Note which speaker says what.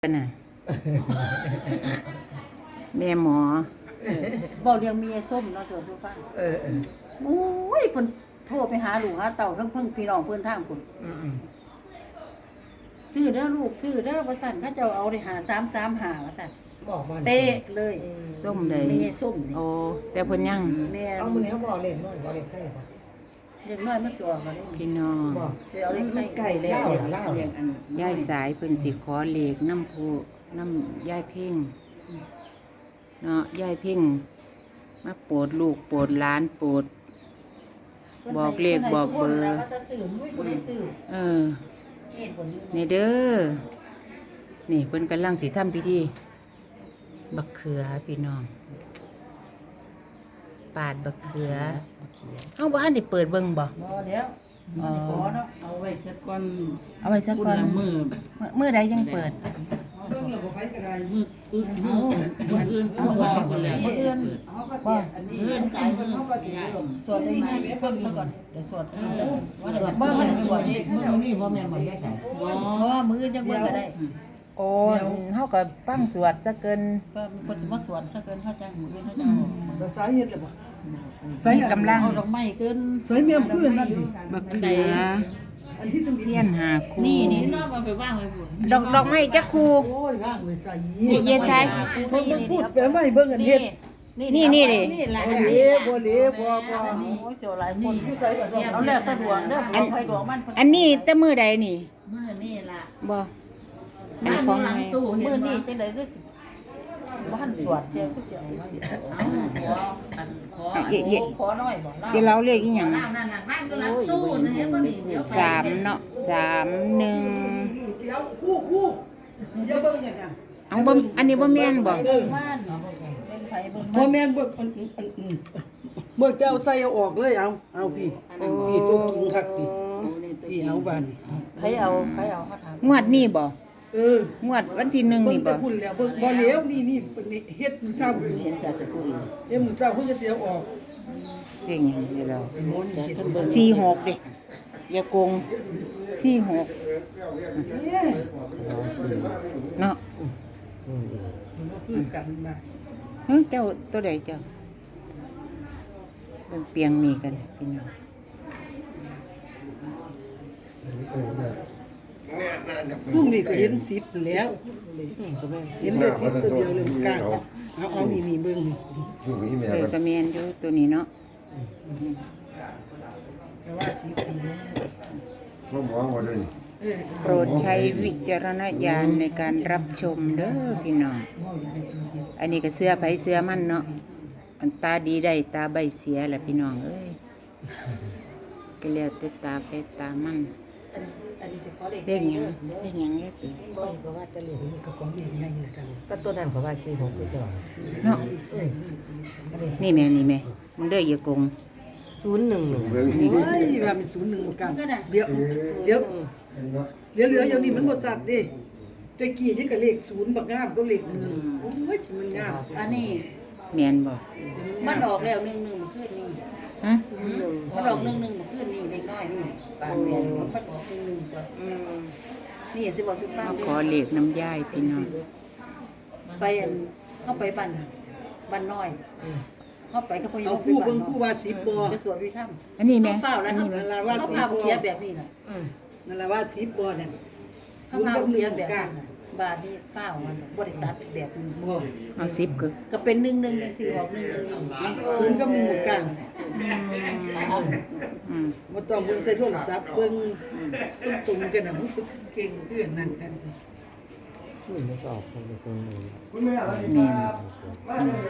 Speaker 1: กันน่ะแม่หมอ
Speaker 2: บอกเรื่องเมียส้มเนาะสวนสุฟังโอ้ยเพิ่นโทรไปหาลูกหาเต่าทั้งเพิ่งพี่น้องเพิ่นทางพุ่นซื้อเด้อลูกซื้อเด้อว่าซั่นเขาเจ้าเอาได้หา335ว่าซั่น
Speaker 3: บอกมัน
Speaker 2: เป๊ะเลย
Speaker 1: ส้มใด
Speaker 2: เมียส้มนี่
Speaker 1: โอ้แต่เพิ่นยัง
Speaker 2: แม่
Speaker 3: เอามื้อนี้เขาบอกเล่นน้อยบอกเล่นไข่บ่
Speaker 2: เด็กน้อยมาสวกัน
Speaker 1: พี่น้อง
Speaker 3: บอก
Speaker 2: สิเอาเล็กไก่แล้ว
Speaker 3: เล่าล่ะเล่า
Speaker 1: ยายสายเพิ่นสิขอเลขน้ำผู้น้ำยายเพ่งเนาะยายเพ่งมาโปรดลูกโปรดหลานโปรด บอกเลขบอกเบอร์
Speaker 2: แล้วก็จะซื้อมุ้ยบ่ได้ซื้อ
Speaker 1: เออ
Speaker 2: เฮ็ดบ่อยู่
Speaker 1: นี่เด้อนี่เพิ่นกำลังสิทำพิธีบักเขือพี่น้องปาดบักเขือเฮาบ่ทันได้เปิดเบิ่งบ่
Speaker 2: บ่เดี๋ยว
Speaker 1: อ๋อ
Speaker 2: ขอเนาะเอาไว้สักก่อน
Speaker 1: เอาไว้สักก่อนมื้อใดยังเปิด
Speaker 3: เรื่องระบบไฟก็ได้
Speaker 2: มื้ออื่นเฮาก็ขายเพิ่นเฮาก็สิเริ่มสวดได้ง่ายเพิ่นซะก่อนเดี๋ยวสวดว่าเดี๋ยวบ่มันสวดนี่
Speaker 3: มื้อนี้บ่แม่นบ่ยายสาย
Speaker 2: บ่มื้อจังเบิ่งก็ได้
Speaker 1: โอ้เฮาก็ฟังสวดซะเกิน
Speaker 2: เพิ่นสิมาสวดซะเกินเขาจังมื้ออื่นเขาจะเอา
Speaker 3: สาเหตุเลยบ่
Speaker 1: มีกำลัง
Speaker 2: เอาดอกไม้เกิน
Speaker 3: สายเมียมเพื่อนนั่นดิ
Speaker 1: บักเขือ
Speaker 3: อันที่ต้อง
Speaker 1: เทียนหาคู่
Speaker 2: นี่น้องเอาไปวางไว้พุ่น
Speaker 1: ดอกไม้จักคู่
Speaker 3: โอ้ยว่างเลยใส่
Speaker 1: นี่เยซาย
Speaker 3: เพิ่นพูดไปไม่เบิ่งอันเฮ็ด
Speaker 1: นี่ดิ
Speaker 2: นี่ล่ะ
Speaker 3: บ่เหลวบ่เหลวบ่
Speaker 2: โอ้ยเสียวหลายคน
Speaker 3: อยู่ใส่ก่อน
Speaker 2: เอาแล้วแต่ดวงเด้อเอาไปดวงมัน
Speaker 1: อันนี้แต่มื้อใดนี่
Speaker 2: มื้อนี่ล่ะ
Speaker 1: บ่อันของไง
Speaker 2: มื้อนี้จังได๋คือสิบ่ทันสวดเจ้าคือสิเอาสิขอน้อยบ่
Speaker 1: เดี๋ยวเราเลขอีหยัง
Speaker 2: นั่นบ้านก็รับตู้นะเดี๋ยวบ่นี่เดี๋ยวไป
Speaker 1: 3เนาะ3 1
Speaker 3: เดี๋ยวคู่อย่าเบิ่งอย่างนั้น
Speaker 1: เอาบ่อันนี้บ่แม่นบ่
Speaker 2: บ้านเบิ่งไผเบิ่ง
Speaker 3: บ่แม่นบ่เมื่อเจ้าใส่เอาออกเลยเอาพี่พี่ตัวกินคักพี่เอาบานนี่
Speaker 2: ไผเอาเขาถาม
Speaker 1: งวดนี้บ่
Speaker 3: ง
Speaker 1: วดวันที่1
Speaker 3: เบิ่
Speaker 1: นี่
Speaker 3: ง
Speaker 1: บ่
Speaker 3: จะพูดแล้วเบิ่งบ่เหลวนี่เฮ็ดมื้อเช้าเห็นจากตะกุนเฮ็ดมื้อเช้าเพิ่นจะเสียออก
Speaker 1: เก่งอย่างนี้เรา
Speaker 3: โน่นเฮ็ดเบิ่ง
Speaker 1: 46ดิอย่าโกง46
Speaker 3: เนี่ย
Speaker 1: เนาะ
Speaker 3: มันคือกันมา
Speaker 1: เจ้าตัวใดเจ้าเป็นเปียงนี่กันพี่น้อง
Speaker 3: ซุ่มนี่ก็เห็น10แล้วเห็นได้10ตัวเดียวเลยกล้าเอานี่เบิ่งนี่
Speaker 4: อยู่ที่แม่
Speaker 1: เลยกระเมียนอยู่ตัวนี้เนาะ
Speaker 3: แต่ว่า10ปีแล้ว
Speaker 4: พ่อหมอว่าด้วย
Speaker 1: โปรดใช้วิจารณญาณในการรับชมเด้อพี่น้อง
Speaker 3: เมาอย่างนี้ตัวเฮ็ด
Speaker 1: อันนี้ก็เสื้อไผเสื้อมันเนาะอันตาดีได้ตาใบเสียแหละพี่น้องเอ้ยก็แล้วแต่ตาไปตามัน
Speaker 2: อันนี้สิขอเลข
Speaker 1: เรียกหยังเรียกหยังเรียก
Speaker 3: บ่ก็ว่าแต่เหลือมันก็ของใหญ่ๆแล้วกัน
Speaker 5: ก็ตัวนั้นเขาว่าซื้อผมก็จอด
Speaker 1: เนาะนี่แม่มึงเด้ออย่าโกง
Speaker 5: 011
Speaker 4: เบิ่ง
Speaker 3: โอ้ยว่ามัน01บ่กันเดี๋ยวเหลือเดี๋ยวนี้มันบ่สัตว์เด้แต่กี้นี่ก็เลข0บักงามก็เลข1โอ้ยมันงาม
Speaker 2: อันนี้
Speaker 1: แม่นบ่
Speaker 2: มันออกแล้ว1-1เมื่อคืนนี้
Speaker 1: ฮะ
Speaker 2: มันออก1-1เมื่อคืนนี้เด็กน้อยนี่ปานแม่มันออก1-1ตัวนี่สิบอกสุฟัง
Speaker 1: ขอเลขน้ำยายพี่น้อง
Speaker 2: ไปเข้าไปบ้านน้อยเข้าไปก็ไป
Speaker 3: เอาคู่เบิ่งคู่ว่า10บ่
Speaker 2: ไปสวดวิธรรม
Speaker 1: อันนี้แม่
Speaker 2: เขาเฝ้าแล้วเขา
Speaker 3: นั่นล่ะว่า
Speaker 2: เขา
Speaker 3: สิ
Speaker 2: พา
Speaker 3: บ่
Speaker 2: เขียแบบนี้น่ะ
Speaker 3: นั่นล่ะว่า10บ่เนี่ย
Speaker 2: เขาพาเขียแบบนี้บาทนี่เฝ้ามันบ่ได้ตัดแบบนี้
Speaker 3: บ่
Speaker 1: เอา10ก็
Speaker 2: ก็เป็น1-1จังซี่ออก1-1นี่
Speaker 3: 0กับ1บ่กลาง
Speaker 1: อืม
Speaker 3: บ่ต้องเบิ่งใส่โทรศัพท์เบิ่งตรงๆกันน่ะมันก็เก่งคืออันนั้นกัน
Speaker 5: มันก็ออกคนละโซนเลย
Speaker 1: แม่น